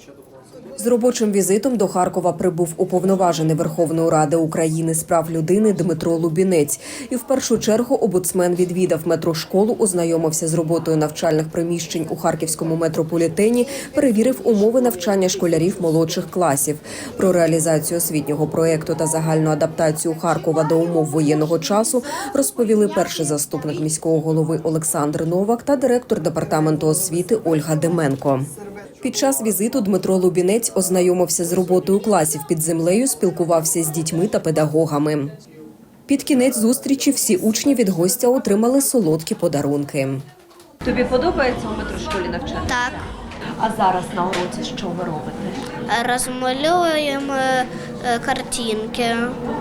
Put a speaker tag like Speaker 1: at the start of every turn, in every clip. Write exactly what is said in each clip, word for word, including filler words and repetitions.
Speaker 1: З робочим візитом до Харкова прибув уповноважений Верховної Ради України з прав людини Дмитро Лубінець. І в першу чергу омбудсмен відвідав метрошколу, ознайомився з роботою навчальних приміщень у харківському метрополітені, перевірив умови навчання школярів молодших класів. Про реалізацію освітнього проєкту та загальну адаптацію Харкова до умов воєнного часу розповіли перший заступник міського голови Олександр Новак та директор департаменту освіти Ольга Деменко. Під час візиту Дмитро Лубінець ознайомився з роботою класів під землею, спілкувався з дітьми та педагогами. Під кінець зустрічі всі учні від гостя отримали солодкі подарунки.
Speaker 2: Тобі подобається у метрошколі навчання?
Speaker 3: Так.
Speaker 2: А зараз на уроці що ви робите?
Speaker 3: Розмалюємо картинки.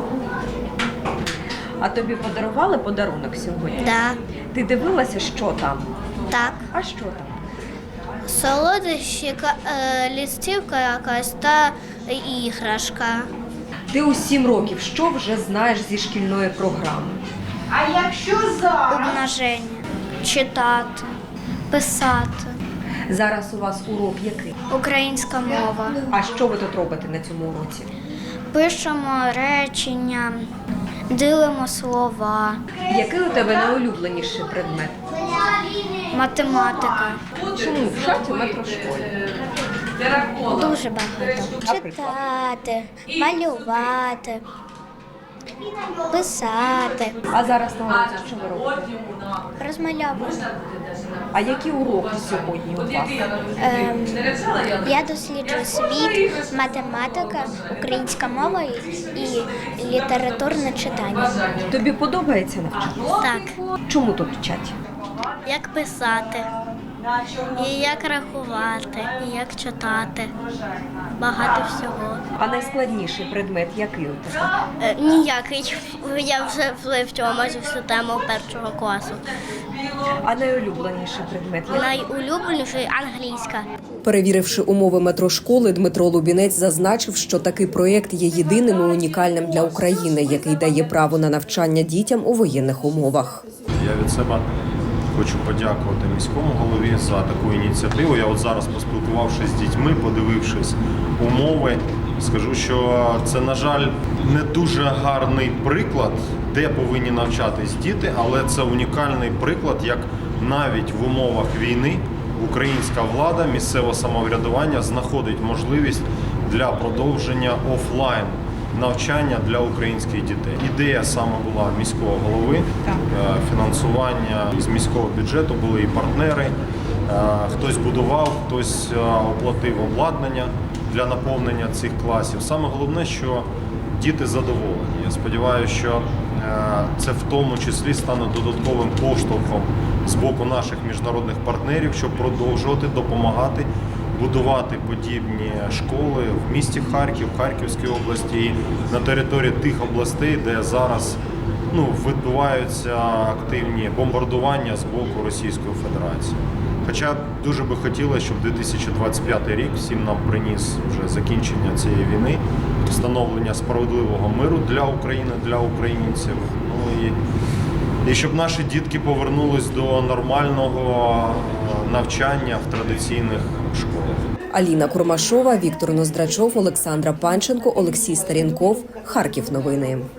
Speaker 2: А тобі подарували подарунок сьогодні?
Speaker 3: Да.
Speaker 2: Ти дивилася, що там?
Speaker 3: Так.
Speaker 2: А що там?
Speaker 3: Солодощі, листівка якась та іграшка.
Speaker 2: Ти у сім років що вже знаєш зі шкільної програми?
Speaker 4: А якщо зараз?
Speaker 3: Умноження. Читати, писати.
Speaker 2: Зараз у вас урок який?
Speaker 3: Українська мова.
Speaker 2: А що ви тут робите на цьому уроці?
Speaker 3: Пишемо речення, ділимо слова.
Speaker 2: Який у тебе найулюбленіший предмет?
Speaker 3: Математика.
Speaker 2: Чому вчать у метрошколі?
Speaker 3: Дуже багато. Читати, малювати, писати,
Speaker 2: А зараз на уроці що ви робите?
Speaker 3: розмальовувати.
Speaker 2: А які уроки сьогодні у вас?
Speaker 3: Ем, я досліджую світ, математика, українська мова і літературне читання.
Speaker 2: Тобі подобається навчання?
Speaker 3: Так.
Speaker 2: Чому тут вчать?
Speaker 3: Як писати, і як рахувати, і як читати. Багато всього.
Speaker 2: А найскладніший предмет який у тебе?
Speaker 3: Е, ніякий. Я вже вивчила майже всю тему першого класу.
Speaker 2: А найулюбленіший предмет який?
Speaker 3: Найулюбленіший англійська.
Speaker 1: Перевіривши умови метрошколи, Дмитро Лубінець зазначив, що такий проєкт є єдиним і унікальним для України, який дає право на навчання дітям у воєнних умовах.
Speaker 5: Я від себе хочу подякувати міському голові за таку ініціативу. Я от зараз, поспілкувавшись з дітьми, подивившись умови, скажу, що це, на жаль, не дуже гарний приклад, де повинні навчатись діти, але це унікальний приклад, як навіть в умовах війни українська влада, місцеве самоврядування знаходить можливість для продовження офлайн навчання для українських дітей. Ідея саме була міського голови, фінансування з міського бюджету, були і партнери. Хтось будував, хтось оплатив обладнання для наповнення цих класів. Саме головне, що діти задоволені. Я сподіваюся, що це в тому числі стане додатковим поштовхом з боку наших міжнародних партнерів, щоб продовжувати допомагати будувати подібні школи в місті Харків, Харківській області і на території тих областей, де зараз ну, відбуваються активні бомбардування з боку Російської Федерації. Хоча дуже би хотілося, щоб дві тисячі двадцять п'ятий рік всім нам приніс вже закінчення цієї війни, встановлення справедливого миру для України, для українців. Ну, і, і щоб наші дітки повернулись до нормального навчання в традиційних школах.
Speaker 1: Аліна Курмашова, Віктор Ноздрачов, Олександра Панченко, Олексій Старінков. Харків новини.